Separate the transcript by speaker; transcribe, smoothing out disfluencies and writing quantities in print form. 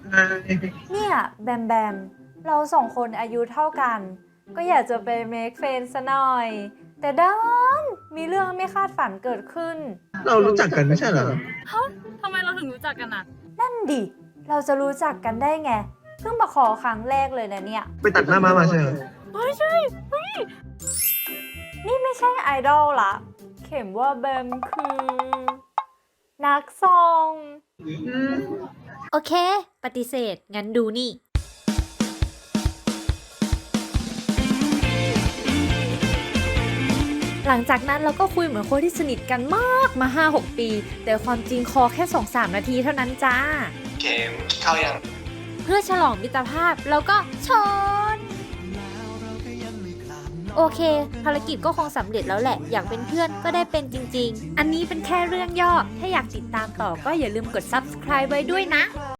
Speaker 1: เนี่ยแบมแบมเราสองคนอายุเท่ากัน ก็อยากจะไปเมคเฟรนด์ซะหน่อย แต่ด้านมีเรื่องไม่คาดฝันเกิดขึ้น
Speaker 2: เรารู้จักกันไม่ใช่เหรอ
Speaker 3: ทำไมเราถึงรู้จักกันอ่ะ
Speaker 1: นั่นดิ เราจะรู้จักกันได้ไง เพิ่งมาขอครั้งแรกเลยนะเนี่ย
Speaker 2: ไปตัดหน้าม้ามาใช่เหรอ
Speaker 3: ไม่ใช่
Speaker 1: นี่ไม่ใช่ไอดอลละเข็มว่าแบมคือ นักซอง
Speaker 4: โอเค ปฏิเสธ งั้นดูนี่ หลังจากนั้นเราก็คุยเหมือนคนที่สนิทกันมากมา 5-6 ปี แต่ความจริงคอแค่ 2-3 นาทีเท่านั้นจ้า
Speaker 2: เกมเข้ายัง
Speaker 4: เพื่อฉลองมิตรภาพเราก็ชน โอเค ภารกิจก็คงสำเร็จแล้วแหละ อยากเป็นเพื่อนก็ได้เป็นจริงๆ อันนี้เป็นแค่เรื่องย่อ ถ้าอยากติดตามต่อก็อย่าลืมกด subscribe ไว้ด้วยนะ